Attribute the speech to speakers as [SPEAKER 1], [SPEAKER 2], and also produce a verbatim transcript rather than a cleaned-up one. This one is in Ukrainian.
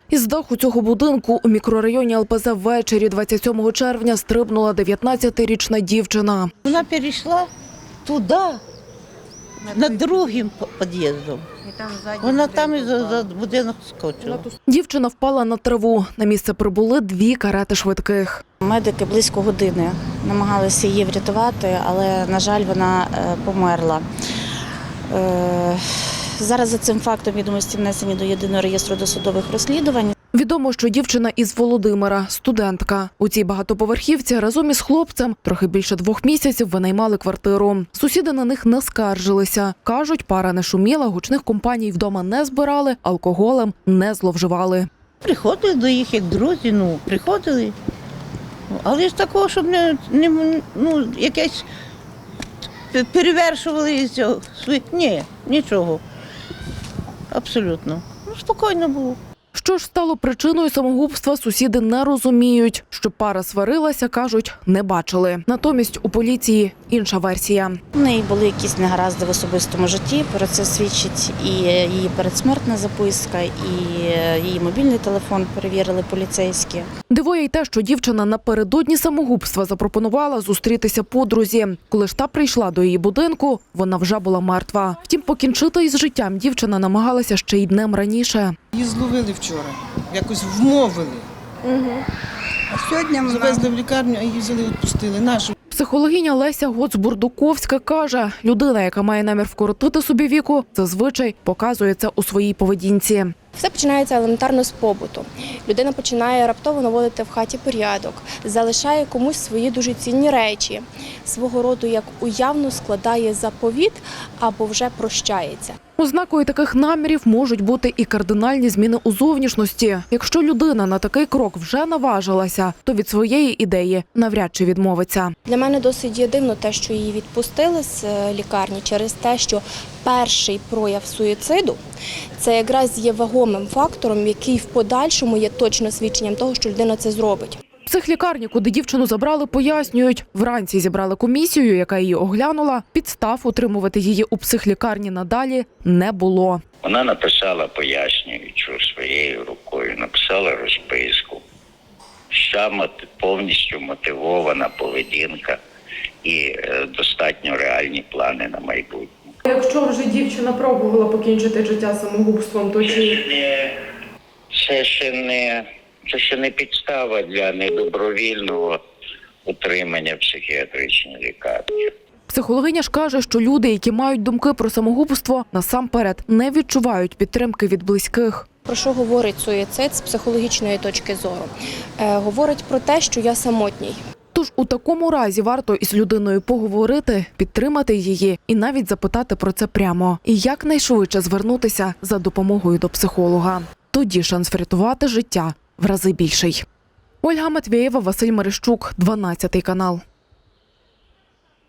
[SPEAKER 1] Із даху цього будинку у мікрорайоні Ел Пе Зе ввечері двадцять сьомого червня стрибнула дев'ятнадцятирічна дівчина.
[SPEAKER 2] Вона перейшла туди, над другим під'їздом. Вона там і за, за будинок скочила.
[SPEAKER 1] Дівчина впала на траву. На місце прибули дві карети швидких.
[SPEAKER 3] Медики близько години намагалися її врятувати, але, на жаль, вона померла. Зараз за цим фактом відомості внесені до єдиного реєстру досудових розслідувань.
[SPEAKER 1] Відомо, що дівчина із Володимира – студентка. У цій багатоповерхівці разом із хлопцем трохи більше двох місяців винаймали квартиру. Сусіди на них не скаржилися. Кажуть, пара не шуміла, гучних компаній вдома не збирали, алкоголем не зловживали.
[SPEAKER 2] Приходили до їх як друзі, ну, приходили. Але ж такого, щоб не, не ну, якесь перевершували цього. Ні, нічого. Абсолютно. Ну, спокійно було.
[SPEAKER 1] Що ж стало причиною самогубства, сусіди не розуміють. Що пара сварилася, кажуть, не бачили. Натомість у поліції інша версія.
[SPEAKER 3] У неї були якісь негаразди в особистому житті, про це свідчить і її передсмертна записка, і її мобільний телефон перевірили поліцейські.
[SPEAKER 1] Дивує й те, що дівчина напередодні самогубства запропонувала зустрітися подрузі. Коли ж та прийшла до її будинку, вона вже була мертва. Втім, покінчити із життям дівчина намагалася ще й днем раніше.
[SPEAKER 4] Її зловили вчора, якось вмовили.
[SPEAKER 5] Угу. А сьогодні вона...
[SPEAKER 4] Завезли в лікарню, а її взяли, відпустили. Нашу.
[SPEAKER 1] Психологиня Леся Гоц-Бурдуковська каже, людина, яка має намір вкоротити собі віку, зазвичай показує це у своїй поведінці.
[SPEAKER 5] Все починається елементарно з побуту. Людина починає раптово наводити в хаті порядок, залишає комусь свої дуже цінні речі, свого роду як уявно складає заповіт або вже прощається.
[SPEAKER 1] Ознакою таких намірів можуть бути і кардинальні зміни у зовнішності. Якщо людина на такий крок вже наважилася, то від своєї ідеї навряд чи відмовиться.
[SPEAKER 5] Для мене досить є дивно те, що її відпустили з лікарні через те, що перший прояв суїциду – це якраз є вагомим фактором, який в подальшому є точно свідченням того, що людина це зробить.
[SPEAKER 1] В психлікарні, куди дівчину забрали, пояснюють. Вранці зібрали комісію, яка її оглянула. Підстав утримувати її у психлікарні надалі не було.
[SPEAKER 6] Вона написала пояснюючу своєю рукою, написала розписку. Вся повністю мотивована поведінка і е, достатньо реальні плани на майбутнє.
[SPEAKER 7] Якщо вже дівчина пробувала покінчити життя самогубством, то чи...
[SPEAKER 6] Це ще не, це ще не підстава для недобровільного утримання в психіатричній лікарні.
[SPEAKER 1] Психологиня ж каже, що люди, які мають думки про самогубство, насамперед не відчувають підтримки від близьких.
[SPEAKER 5] Про що говорить суїцид з психологічної точки зору? Е, говорить про те, що я самотній.
[SPEAKER 1] Тож у такому разі варто із людиною поговорити, підтримати її і навіть запитати про це прямо. І якнайшвидше звернутися за допомогою до психолога. Тоді шанс врятувати життя в рази більший. Ольга Матвєєва, Василь Мерещук, дванадцятий канал.